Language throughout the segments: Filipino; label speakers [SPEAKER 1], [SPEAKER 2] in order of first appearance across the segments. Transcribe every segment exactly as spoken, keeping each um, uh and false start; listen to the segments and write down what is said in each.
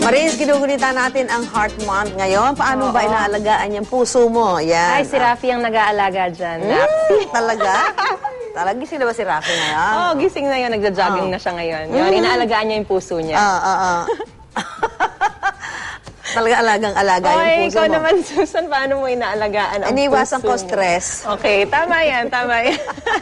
[SPEAKER 1] Maris, ginugunita natin ang Heart Month ngayon. Paano Oo. ba inaalagaan yung puso mo? Yan.
[SPEAKER 2] Ay, si Rafi ang nag-aalaga dyan.
[SPEAKER 1] Mm, talaga? Talaga, gising na ba si Rafi ngayon?
[SPEAKER 2] Oo, oh, gising na yun. Nagja-jogging oh. na siya ngayon. Yun, mm. inaalagaan niya yung puso niya.
[SPEAKER 1] Oo, oo, oo. Talaga alagang-alaga yung puso
[SPEAKER 2] ikaw
[SPEAKER 1] mo.
[SPEAKER 2] naman, Susan, paano mo inaalagaan ang
[SPEAKER 1] Iniwasan
[SPEAKER 2] puso
[SPEAKER 1] ko stress.
[SPEAKER 2] Okay, tama yan, tama yan.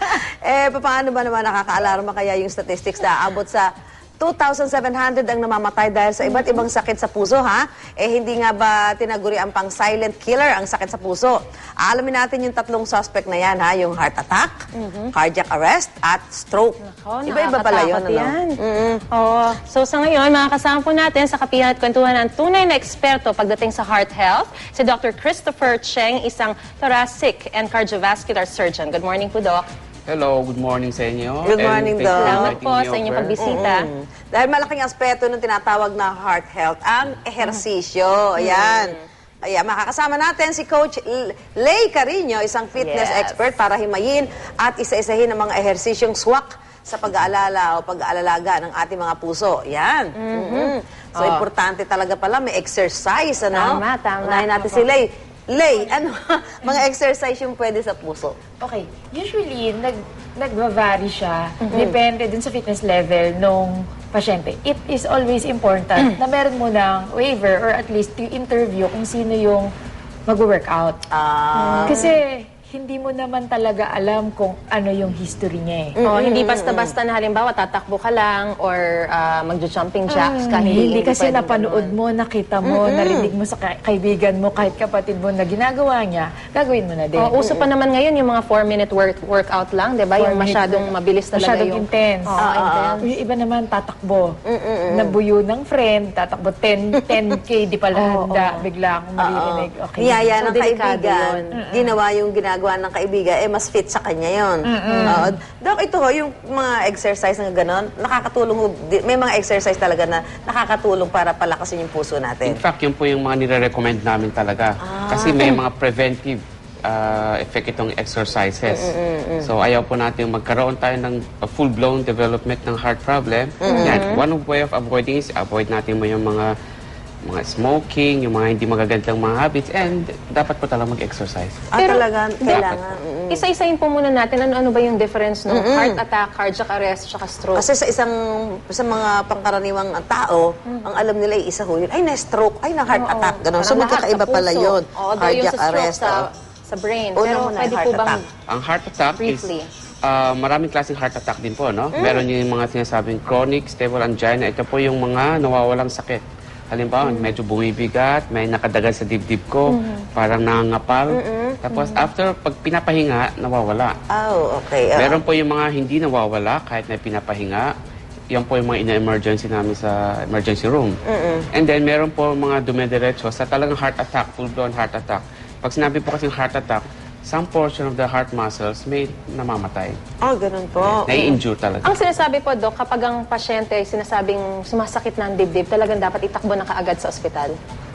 [SPEAKER 1] Eh, paano ba naman nakaka-alarma kaya yung statistics na abot sa two thousand seven hundred ang namamatay dahil sa iba't ibang sakit sa puso, ha? Eh, hindi nga ba tinaguri ang pang silent killer ang sakit sa puso? Alamin natin yung tatlong suspect na yan, ha? Yung heart attack, mm-hmm. cardiac arrest, at stroke. Iba-iba pala yun, ano?
[SPEAKER 2] Yan. Mm-hmm. Oo. So, sa ngayon, mga kasama po natin sa kapihan at kwentuhan ng tunay na eksperto pagdating sa heart health, si Doctor Christopher Cheng, isang thoracic and cardiovascular surgeon. Good morning po, Doc.
[SPEAKER 3] Hello, good morning sa inyo.
[SPEAKER 1] Good morning, Doc.
[SPEAKER 2] Salamat po sa inyong pagbisita.
[SPEAKER 1] Mm-hmm. Dahil malaking aspeto ng tinatawag na heart health, ang ehersisyo. Ayan. Ayan, makakasama natin si Coach Lay Carino, isang fitness yes. expert para himayin at isa-isahin ang mga ehersisyong swak sa pag-aalala o pag-aalalaga ng ating mga puso. Yan. Mm-hmm. Mm-hmm. So, oh. importante talaga pala, may exercise, ano?
[SPEAKER 2] Tama, tama.
[SPEAKER 1] Unahin natin si Lay. Lay, ano, mga exercise yung pwede sa puso?
[SPEAKER 4] Okay. Usually, nag, nag-vary siya. Mm-hmm. Depende dun sa fitness level nung pasyente. It is always important na meron mo ng waiver or at least yung interview kung sino yung mag-workout.
[SPEAKER 1] Ah.
[SPEAKER 4] Kasi hindi mo naman talaga alam kung ano yung history niya eh.
[SPEAKER 2] Mm-hmm. Oh, hindi basta-basta na halimbawa tatakbo ka lang or uh, magjo-jumping jacks
[SPEAKER 4] mm,
[SPEAKER 2] kahit
[SPEAKER 4] hindi, hindi kasi napanood mo, nakita mo, mm-hmm. narinig mo sa ka kaibigan mo, kahit kapatid mo na ginagawa niya, gagawin mo na din.
[SPEAKER 2] Oh, uso pa naman ngayon yung mga four minute work workout lang, 'di ba? Yung masyadong mabilis talaga
[SPEAKER 4] masyadong
[SPEAKER 2] yung
[SPEAKER 4] intense.
[SPEAKER 2] Oh, uh, intense.
[SPEAKER 4] Yung iba naman tatakbo. Mm-mm. Nabuyo ng friend, tatakbo ten K, di pala
[SPEAKER 2] oh,
[SPEAKER 4] handa,
[SPEAKER 2] oh.
[SPEAKER 4] bigla akong maririnig. Okay.
[SPEAKER 1] Niyaya
[SPEAKER 2] So,
[SPEAKER 1] ng kaibigan, ginawa yung ginagawa ng kaibigan, eh mas fit sa kanya yun. Uh, Dok, ito ho, yung mga exercise na gano'n, nakakatulong, may mga exercise talaga na nakakatulong para palakasin yung puso natin.
[SPEAKER 3] In fact, yun po yung mga nire-recommend namin talaga. Ah. Kasi may mga preventive uh, effect itong exercises. Mm-mm, mm-mm. So, ayaw po natin magkaroon tayo ng full-blown development ng heart problem. Mm-hmm. Yan, one way of avoiding is avoid natin mo yung mga mga smoking, yung mga hindi magagandang mga habits, and dapat po talaga mag-exercise.
[SPEAKER 1] Ah,
[SPEAKER 2] Pero,
[SPEAKER 1] talaga, kailangan.
[SPEAKER 2] Mm-hmm. Isa-isahin po muna natin, ano-ano ba yung difference ng mm-hmm. heart attack, cardiac arrest, tsaka stroke?
[SPEAKER 1] Kasi sa isang, sa mga pangkaraniwang tao, mm-hmm. ang alam nila ay isa ho yun, ay na-stroke, ay na-heart oh, attack, gano'n. So, magkakaiba pala yun.
[SPEAKER 2] Oh,
[SPEAKER 1] cardiac
[SPEAKER 2] yung sa
[SPEAKER 1] arrest.
[SPEAKER 2] Sa, sa brain.
[SPEAKER 1] Una
[SPEAKER 2] Pero
[SPEAKER 1] muna,
[SPEAKER 2] pwede
[SPEAKER 1] heart
[SPEAKER 2] po bang
[SPEAKER 1] attack.
[SPEAKER 3] Ang heart attack
[SPEAKER 2] briefly.
[SPEAKER 3] is Uh, maraming klaseng heart attack din po, no? Mm. Meron yung mga sinasabing chronic stable angina. Ito po yung mga nawawalang sakit. Halimbawa, mm. medyo bumibigat, may nakadagal sa dibdib ko, mm. parang nangangapal. Mm-mm. Tapos mm. after, pag pinapahinga, nawawala.
[SPEAKER 1] Oh, okay. Uh.
[SPEAKER 3] Meron po yung mga hindi nawawala kahit na pinapahinga. Yan po yung mga ina-emergency namin sa emergency room. Mm-mm. And then, meron po mga dumidiretso sa talagang heart attack, full-blown heart attack. Pag sinabi po kasing heart attack, some portion of the heart muscles may namamatay.
[SPEAKER 1] Oh, ganun po.
[SPEAKER 3] Nai-injure talaga.
[SPEAKER 2] Ang sinasabi po, Doc, kapag ang pasyente ay sinasabing sumasakit na ang dibdib, talagang dapat itakbo na kaagad sa ospital?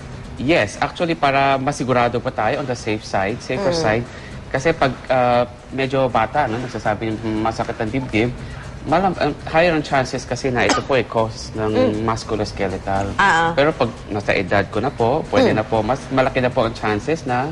[SPEAKER 3] Yes. Actually, para masigurado pa tayo on the safe side, safer mm. side. Kasi pag uh, medyo bata, no, nagsasabi ng masakit ang dibdib, malam, uh, higher ang chances kasi na ito po ay cause ng mm. musculoskeletal.
[SPEAKER 1] Uh-uh.
[SPEAKER 3] Pero pag nasa edad ko na po, pwede mm. na po, mas malaki na po ang chances na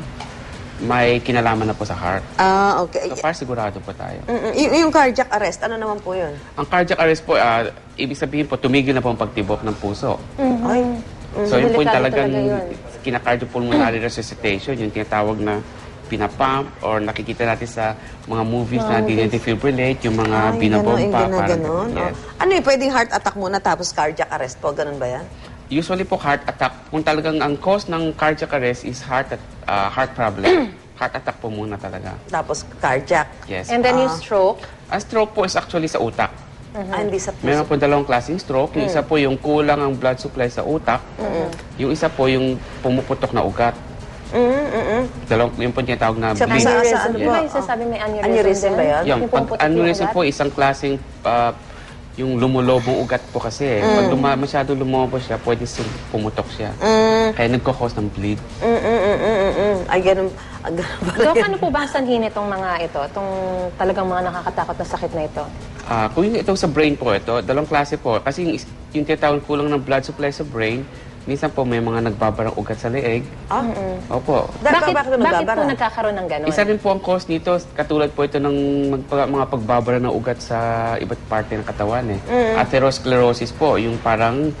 [SPEAKER 3] may kinalaman na po sa heart.
[SPEAKER 1] Ah, okay.
[SPEAKER 3] So, para sigurado po tayo.
[SPEAKER 1] Mm-mm. Y- yung cardiac arrest, ano naman po yun?
[SPEAKER 3] Ang cardiac arrest po, uh, ibig sabihin po, tumigil na po ang pagtibok ng puso.
[SPEAKER 1] Mm-hmm. Ay.
[SPEAKER 3] Mm-hmm. So, yun po yung talagang kina-cardiopulmonary resuscitation, yung tinatawag na pinapump or nakikita natin sa mga movies na dine-defibrillate, yung mga
[SPEAKER 1] Ay,
[SPEAKER 3] binabomba.
[SPEAKER 1] Ganon,
[SPEAKER 3] parang
[SPEAKER 1] ganon.
[SPEAKER 3] yes.
[SPEAKER 1] Oh. Ano yung pwedeng heart attack muna tapos cardiac arrest po? Ganun ba yan?
[SPEAKER 3] Usually po heart attack, kung talagang ang cause ng cardiac arrest is heart uh, heart problem, heart attack po muna talaga.
[SPEAKER 1] Tapos cardiac.
[SPEAKER 3] Yes.
[SPEAKER 2] And then
[SPEAKER 1] Ah.
[SPEAKER 2] yung stroke?
[SPEAKER 3] Ang stroke po is actually sa utak.
[SPEAKER 1] Mm-hmm. Ah, hindi sa puso.
[SPEAKER 3] Meron po dalawang klaseng stroke. Yung isa po yung kulang ang blood supply sa utak. Mm-hmm. Yung isa po yung pumuputok na ugat.
[SPEAKER 1] Mm-hmm.
[SPEAKER 3] Dalawang, yung po tinatawag na
[SPEAKER 1] Sa-
[SPEAKER 3] bleed.
[SPEAKER 1] sa-
[SPEAKER 2] Aneurysm.
[SPEAKER 1] ano
[SPEAKER 2] Di
[SPEAKER 1] po?
[SPEAKER 2] ba yung sasabi may aneurysm,
[SPEAKER 1] Aneurysm
[SPEAKER 2] din?
[SPEAKER 1] ba yan?
[SPEAKER 3] Yung,
[SPEAKER 2] Yung
[SPEAKER 3] pag
[SPEAKER 2] pumuputok yung
[SPEAKER 3] aneurysm
[SPEAKER 2] ugat?
[SPEAKER 3] po, isang klaseng uh, yung lumulobong ugat po kasi. Mm. Pag luma, masyado lumobo siya, pwede siyang pumutok siya.
[SPEAKER 1] Mm.
[SPEAKER 3] Kaya nagkakos ng bleed.
[SPEAKER 1] Mm-mm-mm-mm-mm. Ay, ganun. Ay, ganun pala
[SPEAKER 2] Doc,
[SPEAKER 1] yan.
[SPEAKER 2] ano po ba ang sanhin itong mga ito? Itong talagang mga nakakatakot na sakit na ito?
[SPEAKER 3] Ah, kung yung ito sa brain po ito, dalawang klase po. Kasi yung, is- yung tinatawag kulang ng blood supply sa brain, Minsan po may mga nagbabarang ugat sa leeg.
[SPEAKER 1] Ah?
[SPEAKER 3] Opo.
[SPEAKER 1] Da-
[SPEAKER 2] Bakit,
[SPEAKER 1] bakit
[SPEAKER 2] bakit
[SPEAKER 1] nagbabara?
[SPEAKER 2] po nagkakaroon ng gano'n?
[SPEAKER 3] Isa rin po ang cause nito, katulad po ito ng magpa- mga pagbabara ng ugat sa iba't parte ng katawan. Eh. Atherosclerosis po, yung parang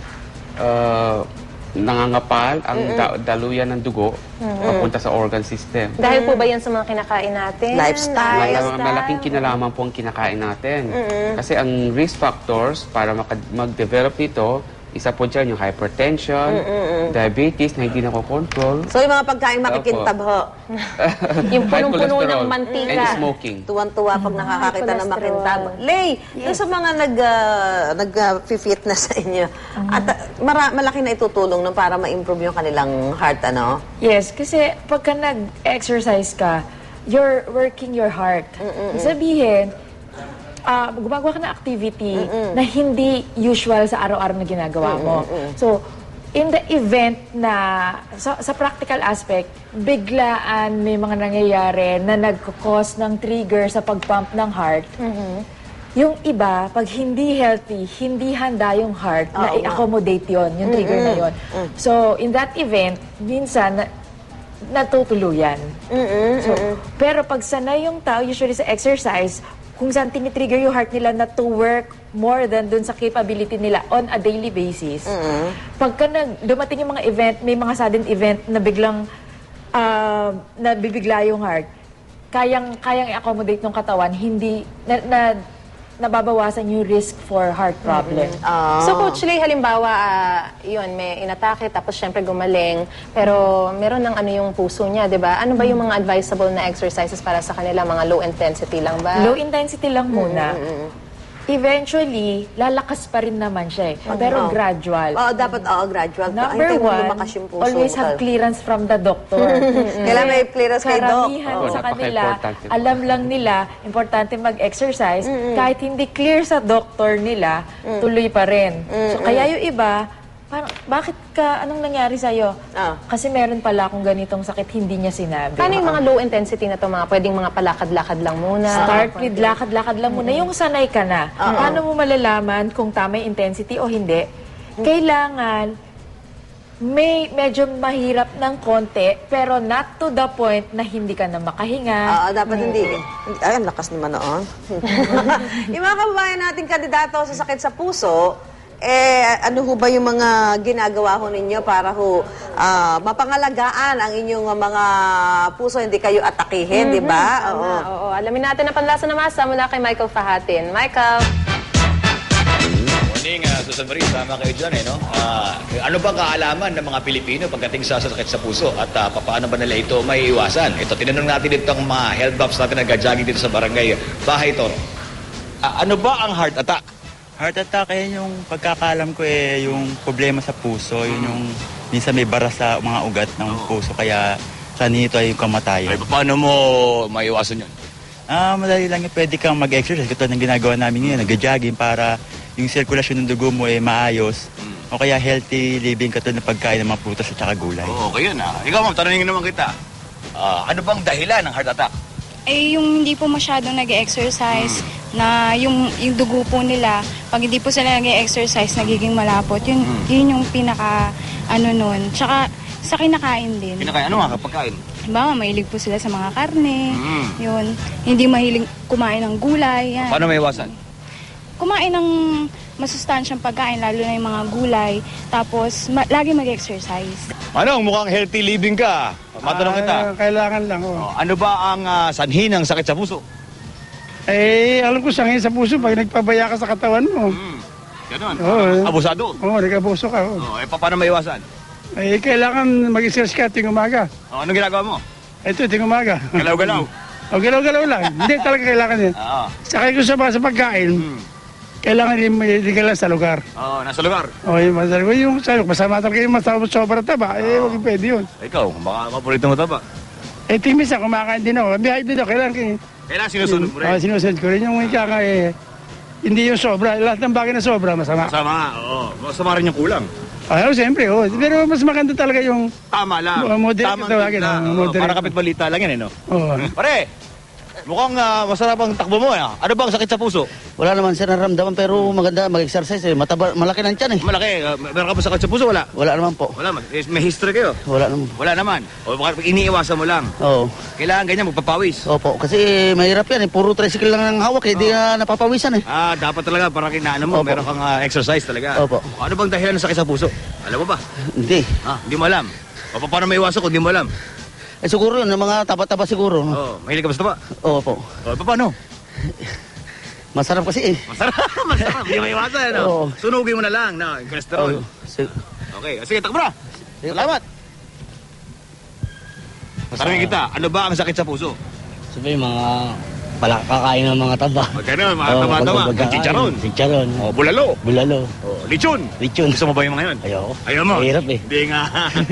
[SPEAKER 3] uh, nangangapal ang da- daluyan ng dugo papunta sa organ system.
[SPEAKER 2] Dahil po ba yan sa mga kinakain natin?
[SPEAKER 1] Lifestyle.
[SPEAKER 3] Mal- malaking kinalaman po ang kinakain natin. Kasi ang risk factors para maka- mag-develop nito, isa po dyan yung hypertension, diabetes na hindi nakokontrol,
[SPEAKER 1] So, yung mga pagkain makikintab ho.
[SPEAKER 2] Yung
[SPEAKER 3] high
[SPEAKER 2] punong-puno ng
[SPEAKER 3] cholesterol,
[SPEAKER 2] mantika.
[SPEAKER 3] and smoking.
[SPEAKER 1] Tuwan-tuwa pag nakakakita ng
[SPEAKER 2] cholesterol.
[SPEAKER 1] makintab. Lay, doon sa mga nag, uh, nag-fitness sa inyo, at uh, mara- malaki na itutulong no, para ma-improve yung kanilang heart, ano?
[SPEAKER 4] Yes, kasi pagka nag-exercise ka, you're working your heart. Sabihin, ah, gumagawa ka ng activity na hindi usual sa araw-araw na ginagawa mo. So, in the event na, sa, sa practical aspect, biglaan may mga nangyayari na nagkakos ng trigger sa pagpump ng heart, yung iba, pag hindi healthy, hindi handa yung heart na
[SPEAKER 1] Oo nga.
[SPEAKER 4] i-accommodate yon, yung trigger na yon. So, in that event, minsan, na, natutuluyan. So, pero pag sanay yung tao, usually sa exercise, kung saan tinitrigger yung heart nila na to work more than dun sa capability nila on a daily basis. Pagka nag, dumating yung mga event, may mga sudden event na biglang uh, nabibigla yung heart, kayang, kayang i-accommodate ng katawan, hindi, na, na, nababawasan yung risk for heart problem.
[SPEAKER 2] So, Coach Lay, halimbawa, ah, yun, may inatake, tapos syempre gumaling, pero meron ng ano yung puso niya, di ba? Ano ba yung mga advisable na exercises para sa kanila? Mga low intensity lang ba?
[SPEAKER 4] Low intensity lang muna. Eventually, lalakas pa rin naman siya eh. Pero
[SPEAKER 1] Oo.
[SPEAKER 4] gradual.
[SPEAKER 1] Oo, dapat, oo, gradual.
[SPEAKER 4] Number
[SPEAKER 1] Hintayin mo
[SPEAKER 4] one,
[SPEAKER 1] lumakas yung puso.
[SPEAKER 4] always have clearance from the doctor.
[SPEAKER 1] Kailangan may clearance kay Doc.
[SPEAKER 4] Karamihan
[SPEAKER 3] Oo,
[SPEAKER 4] sa kanila,
[SPEAKER 3] napaka-importante po.
[SPEAKER 4] alam lang nila, importante mag-exercise. Kahit hindi clear sa doctor nila, tuloy pa rin. So, kaya yung iba, parang, bakit ka, anong nangyari sa'yo?
[SPEAKER 1] Ah.
[SPEAKER 4] Kasi meron pala akong ganitong sakit, hindi niya sinabi.
[SPEAKER 2] Paano yung mga low intensity na to? Mga pwedeng mga palakad-lakad lang muna?
[SPEAKER 4] Start with lakad-lakad lang muna. Yung sanay ka na. Paano mo malalaman kung tama yung intensity o hindi? Kailangan may medyo mahirap ng konti, pero not to the point na hindi ka na makahinga.
[SPEAKER 1] Oo, dapat hindi. Ay, ang lakas naman noon. Yung mga kababayan nating kandidato sa sakit sa puso, eh, ano ho ba yung mga ginagawa ho ninyo para ho ah, mapangalagaan ang inyong mga puso, hindi kayo atakihin, di ba? Oo.
[SPEAKER 2] Oo, oo. Alamin natin ang panlasa na masa mula kay Michael Fahatin. Michael!
[SPEAKER 5] Morning, uh, Susan Marie, tama kayo dyan eh, no? Ah, ano bang kaalaman ng mga Pilipino pagdating sa sakit sa puso at uh, paano ba nila ito may iwasan? Ito, tinanong natin dito ang mga health buffs natin na nag-jogging dito sa barangay Bahay Toro. Ah, ano ba ang heart attack?
[SPEAKER 6] Heart attack, eh, yung pagkakalam ko eh, yung problema sa puso, yun yung minsan may bara sa mga ugat ng puso, kaya sa nito ay yung kamatayan.
[SPEAKER 5] Ay, paano mo maiwasan yun?
[SPEAKER 6] Ah, madali lang yung pwede kang mag-exercise, ito ang ginagawa namin ngayon, nag-jogging para yung sirkulasyon ng dugo mo ay maayos, o kaya healthy living katulad ng pagkain ng mga prutas at saka gulay.
[SPEAKER 5] Oo, okay yun ah. Ikaw ma'am, tanongin naman kita. Ah, ano bang dahilan ng heart attack?
[SPEAKER 7] Eh, yung hindi po masyadong nag-exercise, na yung, yung dugo po nila, pag hindi po sila nag-exercise, nagiging malapot. Yun, yun yung pinaka, ano nun. Tsaka, sa kinakain din.
[SPEAKER 5] Kinakain, ano nga pagkain?
[SPEAKER 7] Diba, mahilig po sila sa mga karne.
[SPEAKER 5] Mm.
[SPEAKER 7] Yun. Hindi mahilig kumain ng gulay. Yan.
[SPEAKER 5] Paano maiwasan?
[SPEAKER 7] Kumain ng masustansyang pagkain, lalo na yung mga gulay. Tapos, ma- lagi mag-exercise.
[SPEAKER 5] Ano, mukhang healthy living ka. Matanong kita.
[SPEAKER 8] Ah, kailangan lang, oh.
[SPEAKER 5] Oh, ano ba ang ah, sanhi ng sakit sa puso?
[SPEAKER 8] Eh, alam ko sangin sa puso pag nagpabaya ka sa katawan mo.
[SPEAKER 5] Hmm. Ganon.
[SPEAKER 8] Oo.
[SPEAKER 5] Abusado.
[SPEAKER 8] Oo, oh, nag-abuso ka, oh.
[SPEAKER 5] Oh, eh, pa- paano maiwasan?
[SPEAKER 8] Eh, kailangan mag-exercise ka tuwing umaga.
[SPEAKER 5] Oh, anong ginagawa mo?
[SPEAKER 8] Ito, tuwing umaga.
[SPEAKER 5] Galaw-galaw.
[SPEAKER 8] O, galaw-galaw lang. Hindi talaga kailangan yan.
[SPEAKER 5] Oo.
[SPEAKER 8] Sakay ko sa, sa pagkain,
[SPEAKER 5] Hmm.
[SPEAKER 8] kailangan din hindi ka lang sa lugar.
[SPEAKER 5] Oh, nasa lugar.
[SPEAKER 8] O, yung masarap. Yung sayo, masama talaga yung masarap sobra taba. Eh, huwag pwede yun.
[SPEAKER 5] Ikaw, baka paborito mo ito ba?
[SPEAKER 8] Eh, tingin sa kumakain din ako. Bihay din ako. Kailangan kayo.
[SPEAKER 5] Kailangan sinusunod mo rin.
[SPEAKER 8] Oh, sinusunod ko rin. Yung ika nga eh, hindi yung sobra. Lahat ng bagay na sobra, masama.
[SPEAKER 5] Masama, oo. Masama rin yung kulang.
[SPEAKER 8] Ah, siyempre, oh. Pero mas maganda talaga yung
[SPEAKER 5] Tama lang.
[SPEAKER 8] Oh, moderate
[SPEAKER 5] Tamang
[SPEAKER 8] tawagin,
[SPEAKER 5] timpla.
[SPEAKER 8] oh,
[SPEAKER 5] Oo,
[SPEAKER 8] moderate.
[SPEAKER 5] para kapit balita lang yan, eh, no?
[SPEAKER 8] oh,
[SPEAKER 5] Pare, Mukhang ah, masarap ang takbo mo. Eh. Ano bang sakit sa puso?
[SPEAKER 9] Wala naman siya naramdaman pero maganda mag-exercise eh. Mataba, malaki ng tiyan eh.
[SPEAKER 5] Malaki. Uh, meron ka ba sakit sa puso? Wala.
[SPEAKER 9] Wala naman po.
[SPEAKER 5] Wala. Mag- eh, may history kayo?
[SPEAKER 9] Wala naman.
[SPEAKER 5] Wala naman. O baka iniiwasan mo lang.
[SPEAKER 9] Oo.
[SPEAKER 5] Kailangan ganyan, magpapawis.
[SPEAKER 9] Opo. Kasi mahirap yan eh. Puro tricycle lang ang hawak eh. Di na napapawisan eh.
[SPEAKER 5] Ah, dapat talaga para kinaano mo,
[SPEAKER 9] Opo.
[SPEAKER 5] meron kang ah, exercise talaga.
[SPEAKER 9] Opo.
[SPEAKER 5] Ano bang dahilan ng sakit sa puso? Alam mo ba?
[SPEAKER 9] Hindi.
[SPEAKER 5] Ah, hindi mo alam. O pa- paano may iwasan kung hindi mo alam?
[SPEAKER 9] Eh siguro yun. Yung mga taba-taba siguro.
[SPEAKER 5] Oh, mahilig ka basta ba?
[SPEAKER 9] Opo.
[SPEAKER 5] O, pa- paano?
[SPEAKER 9] Masarap kasi eh.
[SPEAKER 5] Masarap, masarap. Hindi may iwasan, ano?
[SPEAKER 9] Oo.
[SPEAKER 5] Sunugin mo na lang, no? Yung cholesterol.
[SPEAKER 9] Oo. Si-
[SPEAKER 5] Okay, sige, takbo na. Salamat. Tanungin kita, ano ba ang sakit sa puso?
[SPEAKER 9] Sabi mga pala kakain ng mga taba.
[SPEAKER 5] O, ganun, mga tama-tama. Chicharon.
[SPEAKER 9] Chicharon.
[SPEAKER 5] O, bulalo.
[SPEAKER 9] Bulalo.
[SPEAKER 5] O, lechon.
[SPEAKER 9] Lechon.
[SPEAKER 5] Gusto mo ba yung mga yun?
[SPEAKER 9] Ayoko.
[SPEAKER 5] Ayaw mo?
[SPEAKER 9] Mahirap eh.
[SPEAKER 5] Hindi nga.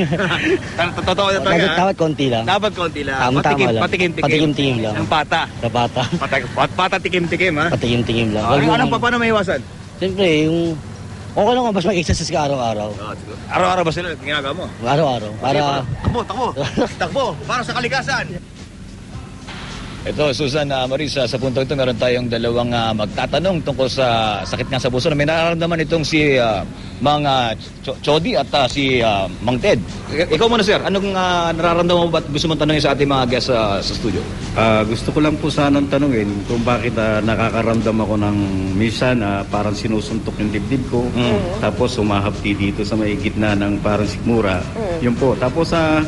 [SPEAKER 5] Totoo na talaga.
[SPEAKER 9] Dapat konti lang.
[SPEAKER 5] Dapat konti lang.
[SPEAKER 9] Tama-tama
[SPEAKER 5] Patikim,
[SPEAKER 9] lang.
[SPEAKER 5] patikim-tikim.
[SPEAKER 9] Patikim-tikim lang.
[SPEAKER 5] Ang pata.
[SPEAKER 9] Sa bata.
[SPEAKER 5] Pata, pat, pata tikim-tikim, ha?
[SPEAKER 9] Patingin-tingin lang.
[SPEAKER 5] Ano, anong pa, paano may iwasan?
[SPEAKER 9] Siyempre, yung... Okay lang kung mas mag-exercise ka araw-araw.
[SPEAKER 5] Oh, siguro. Araw-araw ba sila ginagawa mo?
[SPEAKER 9] Araw-araw. Para...
[SPEAKER 5] Takbo, takbo. Takbo, para sa kalikasan. Ito, Susan, uh, Marisa, sa punto ito meron tayong dalawang uh, magtatanong tungkol sa sakit nga sa puso na may nararamdaman itong si uh, Mang uh, Ch- Chody at uh, si uh, Mang Ted. I- ikaw muna, sir. Anong uh, nararamdaman mo ba at gusto mong tanongin sa ating mga guests uh, sa studio?
[SPEAKER 10] Ah, gusto ko lang po sanang tanungin kung bakit ah, nakakaramdam ako ng minsan ah, parang sinusuntok yung dibdib ko. Tapos humahapti dito sa may gitna ng parang sikmura. Yun po. Tapos sa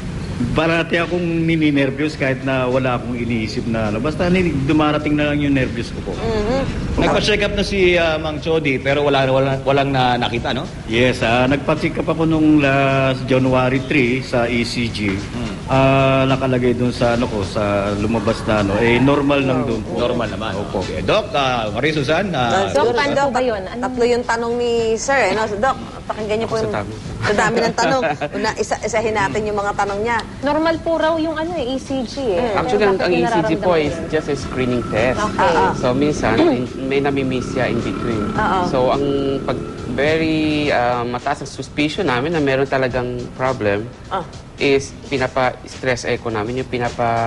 [SPEAKER 10] barati akong nininervyos kahit na wala akong iniisip na ano. Basta ni- dumarating na lang yung nervyos ko po.
[SPEAKER 5] Nagpa-check up na si uh, Mang Chody pero wala, wala, walang na, nakita, no?
[SPEAKER 10] Yes, ah, nagpa-check up ako nung last January third sa E C G. Ah, nakalagay doon sa ano ko sa lumabas na ano, eh normal lang doon po.
[SPEAKER 5] Normal naman.
[SPEAKER 10] Opo.
[SPEAKER 5] Okay. Doc, uh, Maria Susan, uh,
[SPEAKER 2] Doc,
[SPEAKER 1] Siguro,
[SPEAKER 2] paano
[SPEAKER 1] Doc,
[SPEAKER 2] po ba yun? Ano?
[SPEAKER 1] Tatlo yung tanong ni Sir, eh, no? So, Doc, pakinggan niyo po
[SPEAKER 3] Ako
[SPEAKER 1] yung...
[SPEAKER 3] sa dami.
[SPEAKER 1] Sa dami ng tanong. Una, isa, isahin natin yung mga tanong niya.
[SPEAKER 2] Normal po raw yung ano eh, E C G eh.
[SPEAKER 3] Actually, ang,
[SPEAKER 2] Pero
[SPEAKER 3] ang
[SPEAKER 2] bakit
[SPEAKER 3] E C G po
[SPEAKER 2] nararamdaman
[SPEAKER 3] is
[SPEAKER 2] yun?
[SPEAKER 3] just a screening test.
[SPEAKER 2] Okay.
[SPEAKER 3] So, minsan, in- may namimiss siya in between. So, ang pag very uh, mataas ang suspicion namin na meron talagang problem
[SPEAKER 1] Ah.
[SPEAKER 3] is pinapa-stress echo namin, yung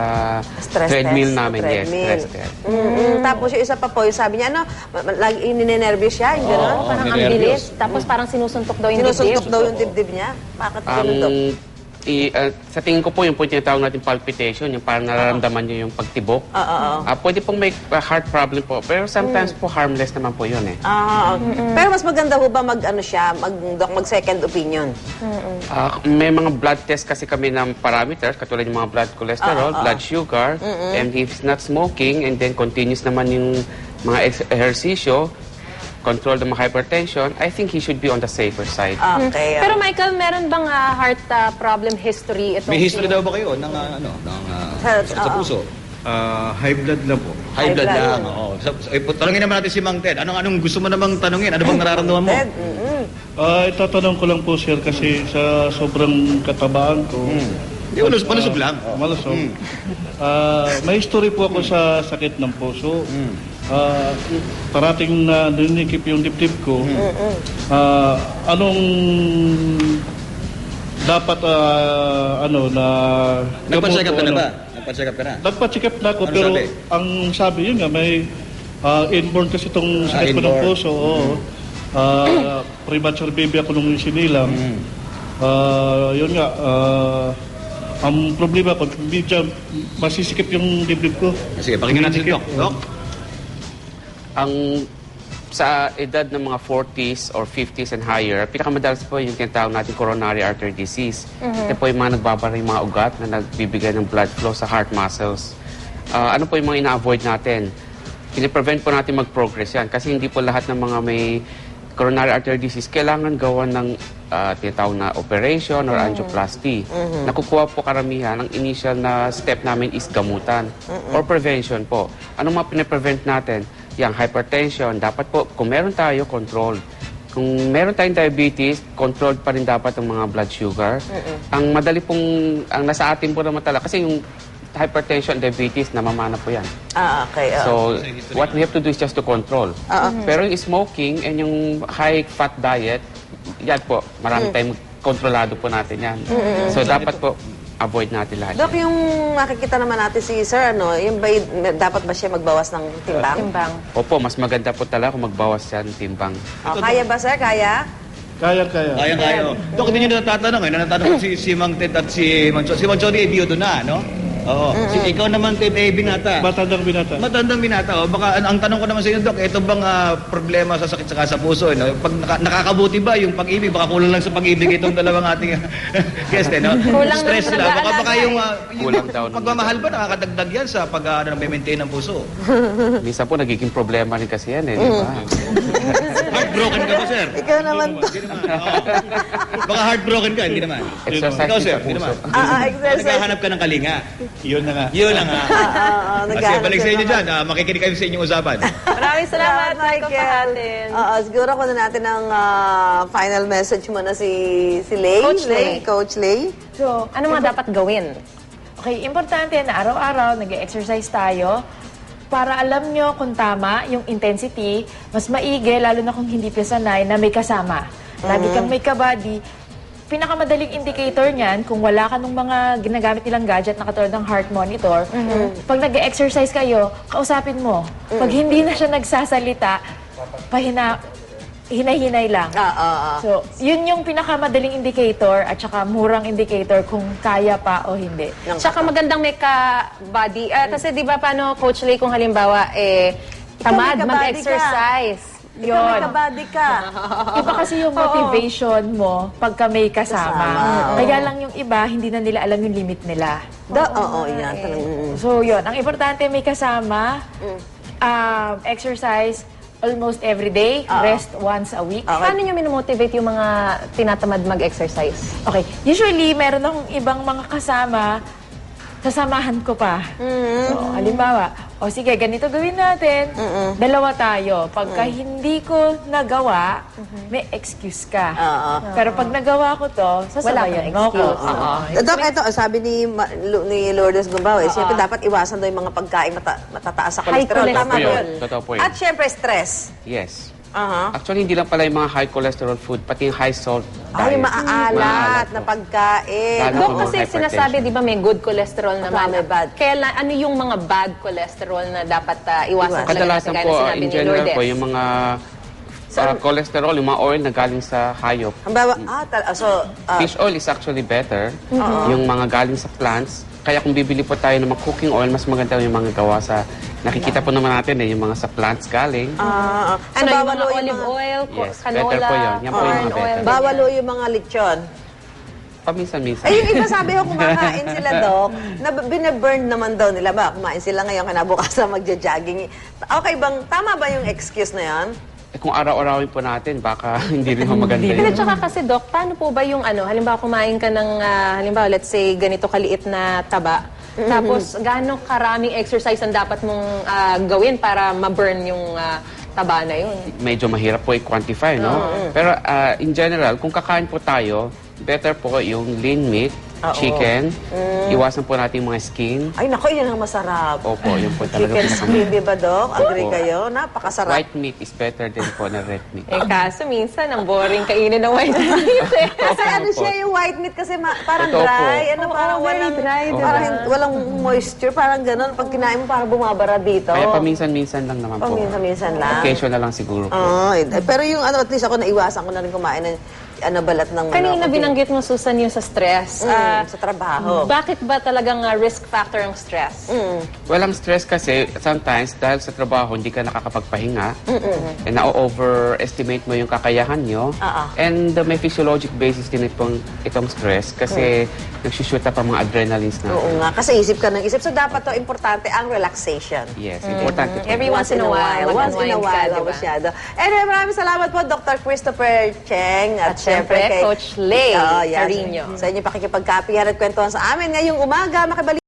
[SPEAKER 1] Stress
[SPEAKER 3] pinapa-treadmill
[SPEAKER 1] test.
[SPEAKER 3] namin. Yes,
[SPEAKER 1] Treadmill.
[SPEAKER 3] stress test.
[SPEAKER 1] Mm-mm. Tapos yung isa pa po, yung sabi niya, ano, ma- ma- lagi ininervyos siya, yung gano'n.
[SPEAKER 2] Oo, parang ang
[SPEAKER 5] ninervyos.
[SPEAKER 2] bilis. Tapos parang sinusuntok daw yung
[SPEAKER 1] Sinusuntok
[SPEAKER 2] dibdib.
[SPEAKER 1] daw yung dibdib niya. Bakit
[SPEAKER 3] Um,
[SPEAKER 1] ganun, Doc?
[SPEAKER 3] i, uh, sa tingin ko po yung po yung tinatawag natin palpitation, yung parang nararamdaman niyo yung pagtibok.
[SPEAKER 1] Oo, oo.
[SPEAKER 3] Ah, pwede pong may uh, heart problem po, pero sometimes po harmless naman po yun eh.
[SPEAKER 1] Ah, pero mas maganda ho ba mag ano siya, mag doc mag second opinion.
[SPEAKER 3] Ah, may mga blood test kasi kami ng parameters, katulad yung mga blood cholesterol, blood sugar, and if he's not smoking, and then continuous naman yung mga ex- ehersisyo, control ng mga hypertension, I think he should be on the safer side.
[SPEAKER 1] Okay.
[SPEAKER 2] Pero Michael, meron bang ah, heart ah, problem history itong
[SPEAKER 5] may history
[SPEAKER 2] si-
[SPEAKER 5] daw ba kayo ng uh, ano, ng uh,
[SPEAKER 1] Sa-
[SPEAKER 5] sakit sa
[SPEAKER 1] oo.
[SPEAKER 5] puso?
[SPEAKER 10] Ah, high blood lang po.
[SPEAKER 5] High blood
[SPEAKER 1] blood.
[SPEAKER 5] lang. Oo. So, so, eh, tanungin naman natin si Mang Ted. Anong anong gusto mo namang tanungin? Ano bang nararamdaman mo?
[SPEAKER 1] Ted, mm-mm.
[SPEAKER 8] Ah, itatanong ko lang po, sir, kasi sa sobrang katabaan ko,
[SPEAKER 5] Di malus, malusog lang.
[SPEAKER 8] ah, malusog. Ah, may history po ako sa sakit ng puso. Ah, parating na ninikip yung dibdib ko. Ah, anong dapat ah, ano na
[SPEAKER 5] Nagpa-check up ka na
[SPEAKER 8] ano?
[SPEAKER 5] ba? Nagpa-check up ka na?
[SPEAKER 8] Nagpa-check up na ako,
[SPEAKER 5] Ano
[SPEAKER 8] pero
[SPEAKER 5] sabi?
[SPEAKER 8] ang sabi yun nga, may ah, inborn kasi itong sakit ko ng
[SPEAKER 5] inborn.
[SPEAKER 8] puso. Oo. Ah, premature baby ako nung sinilang. Ah, yun nga, ah, ang problema ko, medyo masisikip yung dibdib ko.
[SPEAKER 5] Sige, pakinggan natin si Doc. Doc?
[SPEAKER 3] Ang sa edad ng mga forties or fifties and higher, pinakamadalas po yung tinatawag natin coronary artery disease. Ito po yung mga nagbabara yung mga ugat na nagbibigay ng blood flow sa heart muscles. Ah, ano po yung mga ina-avoid natin? Piniprevent po natin mag-progress yan kasi hindi po lahat ng mga may coronary artery disease kailangan gawan ng ah, tinatawag na operation or angioplasty. Nakukuha po karamihan, ang initial na step namin is gamutan or prevention po. Anong mga piniprevent natin? Yang hypertension, dapat po, kung meron tayo, controlled. Kung meron tayong diabetes, controlled pa rin dapat ang mga blood sugar. Ang madali pong, ang nasa atin po naman talaga, kasi yung hypertension and diabetes, namamana po yan.
[SPEAKER 1] Ah, okay. ah.
[SPEAKER 3] So, what we have to do is just to control. Pero yung smoking and yung high-fat diet, yan po, marami tayong kontrolado po natin yan. So, dapat po, avoid natin lahat.
[SPEAKER 1] Dok,
[SPEAKER 3] yan.
[SPEAKER 1] yung makikita naman natin si Sir, ano, yung ba, dapat ba siya magbawas ng timbang?
[SPEAKER 2] Timbang.
[SPEAKER 3] Opo, mas maganda po talaga kung magbawas siya ng timbang.
[SPEAKER 1] Oh, kaya ba, Sir? Kaya?
[SPEAKER 8] Kaya-kaya.
[SPEAKER 5] Kaya-kaya. Oh. Dok, hindi nyo natatanong eh. Natatanong si, si Mang Ted at si Mang Chody. Si Mang Chody ay biyudo na, no? Oo. Si, ikaw naman, Ted, ay binata.
[SPEAKER 8] Matandang binata.
[SPEAKER 5] Matandang binata. O, baka, ang, ang tanong ko naman sa inyo, Dok, ito bang ah, problema sa sakit saka sa puso? No? Pag naka, nakakabuti ba yung pag-ibig? Baka kulang lang sa pag-ibig itong dalawang ating guest, eh, no?
[SPEAKER 2] Kulang
[SPEAKER 5] Stress
[SPEAKER 2] ng
[SPEAKER 5] sila. Baka, baka
[SPEAKER 2] nag-aalaga,
[SPEAKER 5] yung, ah, yung
[SPEAKER 3] Kulang daw ng-
[SPEAKER 5] pagmamahal ba nakakadagdag yan sa pag uh, maintain ng puso?
[SPEAKER 3] Minsan po, nagiging problema rin kasi yan eh, di ba?
[SPEAKER 5] Heartbroken ka ba, sir?
[SPEAKER 1] Ikaw naman,
[SPEAKER 5] Hindi naman. Oo. Baka heartbroken ka, hindi naman.
[SPEAKER 3] Exercise
[SPEAKER 5] Ikaw,
[SPEAKER 3] din
[SPEAKER 5] sir,
[SPEAKER 3] sa
[SPEAKER 5] hindi
[SPEAKER 3] puso.
[SPEAKER 5] naman.
[SPEAKER 1] ah, ah, exercise.
[SPEAKER 5] Naghahanap ka ng kalinga.
[SPEAKER 8] Yun na nga.
[SPEAKER 5] Yun na nga.
[SPEAKER 1] Ah, ah, ah,
[SPEAKER 5] Kasi
[SPEAKER 1] naghahanap
[SPEAKER 5] balik sa
[SPEAKER 1] siya
[SPEAKER 5] inyo
[SPEAKER 1] naman.
[SPEAKER 3] ah.
[SPEAKER 5] dyan. Uh, makikinig kami sa inyong usapan.
[SPEAKER 2] Maraming salamat,
[SPEAKER 1] Salamat,
[SPEAKER 2] Michael Pahatin.
[SPEAKER 1] Oo, siguro ko na natin ang ah, final message mo na si, si Lay.
[SPEAKER 2] Coach Lay.
[SPEAKER 1] Coach Lay.
[SPEAKER 4] So,
[SPEAKER 2] Ano mga dapat gawin?
[SPEAKER 4] okay, importante na araw-araw nag-exercise tayo para alam nyo kung tama yung intensity, mas maigi, lalo na kung hindi pa sanay, na may kasama. Lagi kang may kabady. Pinakamadaling indicator niyan, kung wala ka nung mga ginagamit nilang gadget na katulad ng heart monitor, pag nag-exercise kayo, kausapin mo. Pag hindi na siya nagsasalita, pahina, hinay-hinay lang.
[SPEAKER 1] Ah, ah, ah.
[SPEAKER 4] So, yun yung pinakamadaling indicator at saka murang indicator kung kaya pa o hindi.
[SPEAKER 2] Tsaka magandang may ka-body. Ah, kasi di ba paano, Coach Lay, kung halimbawa, eh, tamad,
[SPEAKER 1] may kabady
[SPEAKER 2] mag-exercise.
[SPEAKER 1] Ikaw may kabady ka.
[SPEAKER 4] Iba kasi yung motivation mo pagka may kasama.
[SPEAKER 1] Kasama, oo.
[SPEAKER 4] Kaya lang yung iba, hindi na nila alam yung limit nila.
[SPEAKER 1] Da, oo, yan. Talagang,
[SPEAKER 4] So, yun. Ang importante, may kasama, um, exercise almost every day, rest once a week.
[SPEAKER 2] Paano nyo minomotivate yung mga tinatamad mag-exercise?
[SPEAKER 4] Okay. Usually, meron akong ibang mga kasama, sasamahan ko pa. So, halimbawa, o sige, ganito gawin natin. Dalawa tayo. Pagka hindi ko nagawa, may excuse ka.
[SPEAKER 1] Oo.
[SPEAKER 4] Pero pag nagawa ko to, sasabayan mo ko.
[SPEAKER 2] excuse. Oo.
[SPEAKER 1] Dok, ito, sabi ni, Ma- Lu- ni Lourdes Gumbao, eh, siyempre dapat iwasan daw yung mga pagkain mata, matataas sa
[SPEAKER 2] High
[SPEAKER 1] cholesterol.
[SPEAKER 2] cholesterol.
[SPEAKER 1] Tama
[SPEAKER 3] Totoo
[SPEAKER 1] ba
[SPEAKER 3] po
[SPEAKER 1] yun?
[SPEAKER 3] yun. Totoo po yun.
[SPEAKER 1] At siyempre, stress.
[SPEAKER 3] Yes.
[SPEAKER 1] Aha.
[SPEAKER 3] Actually, hindi lang pala yung mga high cholesterol food, pati yung high salt
[SPEAKER 1] Ay,
[SPEAKER 3] diet.
[SPEAKER 1] maaalat na
[SPEAKER 3] po.
[SPEAKER 1] pagkain.
[SPEAKER 3] Lalo
[SPEAKER 2] Dok,
[SPEAKER 3] po mga
[SPEAKER 2] kasi
[SPEAKER 3] hypertension.
[SPEAKER 2] sinasabi, di ba, may good cholesterol naman.
[SPEAKER 1] may bad.
[SPEAKER 2] Kailan, ano yung mga bad cholesterol na dapat ah, iwasan? talaga
[SPEAKER 3] Kadalasan
[SPEAKER 2] natin,
[SPEAKER 3] po,
[SPEAKER 2] gaya ng sinabi
[SPEAKER 3] in
[SPEAKER 2] ni
[SPEAKER 3] general
[SPEAKER 2] Lourdes?
[SPEAKER 3] po, yung mga uh, cholesterol, yung mga oil na galing sa hayop.
[SPEAKER 1] Ang bawa, ah, tal- ah, so, ah,
[SPEAKER 3] Fish oil is actually better. Yung mga galing sa plants. Kaya kung bibili po tayo ng mga cooking oil, mas maganda yung mga gawa sa... Nakikita po naman natin eh, yung mga sa plants galing.
[SPEAKER 1] ah, ah. So,
[SPEAKER 2] Ano, yung
[SPEAKER 1] bawal
[SPEAKER 2] mga
[SPEAKER 1] o
[SPEAKER 2] olive oil,
[SPEAKER 3] Yes,
[SPEAKER 2] canola,
[SPEAKER 3] better po yun. Yan po yung
[SPEAKER 2] corn
[SPEAKER 3] mga
[SPEAKER 2] oil.
[SPEAKER 3] better.
[SPEAKER 1] Bawal o yung mga lechon.
[SPEAKER 3] Paminsan-minsan.
[SPEAKER 1] Ay, yung iba sabi ko, kumakain sila, Dok, na binaburn naman daw nila ba? Kumain sila ngayon, kinabukasan magja-jogging. Okay bang, tama ba yung excuse na yan?
[SPEAKER 3] Eh, kung araw-arawin po natin, baka hindi rin ho maganda
[SPEAKER 2] Pero
[SPEAKER 3] yun.
[SPEAKER 2] tsaka kasi, Doc, paano po ba yung ano, halimbawa kumain ka ng, ah, halimbawa, let's say, ganito kaliit na taba, tapos gaano karaming exercise ang dapat mong ah, gawin para ma-burn yung ah, taba na yun?
[SPEAKER 3] Medyo mahirap po i-quantify, no? Pero ah, in general, kung kakain po tayo, better po yung lean meat, chicken, iwasan po natin yung mga skin.
[SPEAKER 1] Ay, nako, yun ang masarap.
[SPEAKER 3] Opo, yun po talaga
[SPEAKER 1] Chicken
[SPEAKER 3] pinaka-
[SPEAKER 1] skin, di ba, Dok? Agree
[SPEAKER 3] Opo.
[SPEAKER 1] kayo? Napakasarap.
[SPEAKER 3] White meat is better din po na red meat.
[SPEAKER 2] Eh, kaso minsan, ang boring kainin ng white meat. eh.
[SPEAKER 1] Kasi ano siya, yung white meat kasi ma- parang
[SPEAKER 3] Totoo po.
[SPEAKER 1] dry. Ano,
[SPEAKER 2] Oo,
[SPEAKER 1] parang
[SPEAKER 2] very
[SPEAKER 1] walang,
[SPEAKER 2] dry, di ba?
[SPEAKER 1] parang hin- walang moisture, parang gano'n. Pag kinain mo, parang bumabara dito.
[SPEAKER 3] Kaya paminsan-minsan lang naman po.
[SPEAKER 1] Paminsan-minsan lang.
[SPEAKER 3] Occasion na lang siguro po.
[SPEAKER 1] Oo, eh, pero yung ano, at least ako naiwasan ko na rin kumain ng ano, balat ng
[SPEAKER 2] Kanina
[SPEAKER 1] manok.
[SPEAKER 2] binanggit mo, Susan, yung sa stress.
[SPEAKER 1] Mm,
[SPEAKER 2] Ah,
[SPEAKER 1] sa trabaho.
[SPEAKER 2] bakit ba talagang ah, risk factor ang stress?
[SPEAKER 1] Mm.
[SPEAKER 3] Well, ang stress kasi, sometimes, dahil sa trabaho, hindi ka nakakapagpahinga, and na-overestimate mo yung kakayahan nyo,
[SPEAKER 1] Oo.
[SPEAKER 3] and uh, may physiologic basis din itong, itong stress kasi nagsushoot up ang mga adrenalines natin.
[SPEAKER 1] Oo nga, kasi isip ka ng isip. So, dapat to, importante ang relaxation.
[SPEAKER 3] Yes, importante po.
[SPEAKER 2] Every once in a while,
[SPEAKER 1] Once in a
[SPEAKER 2] mag-unwind
[SPEAKER 1] while,
[SPEAKER 2] ka,
[SPEAKER 1] ka,
[SPEAKER 2] diba?
[SPEAKER 1] masyado. Anyway, maraming salamat po, Doctor Christopher Cheng.
[SPEAKER 2] At syempre, Coach Lay
[SPEAKER 1] Oo, yan.
[SPEAKER 2] Carino.
[SPEAKER 1] Sa inyo pakikipagkapihan at kwentuhan sa amin ngayong umaga. Makibalik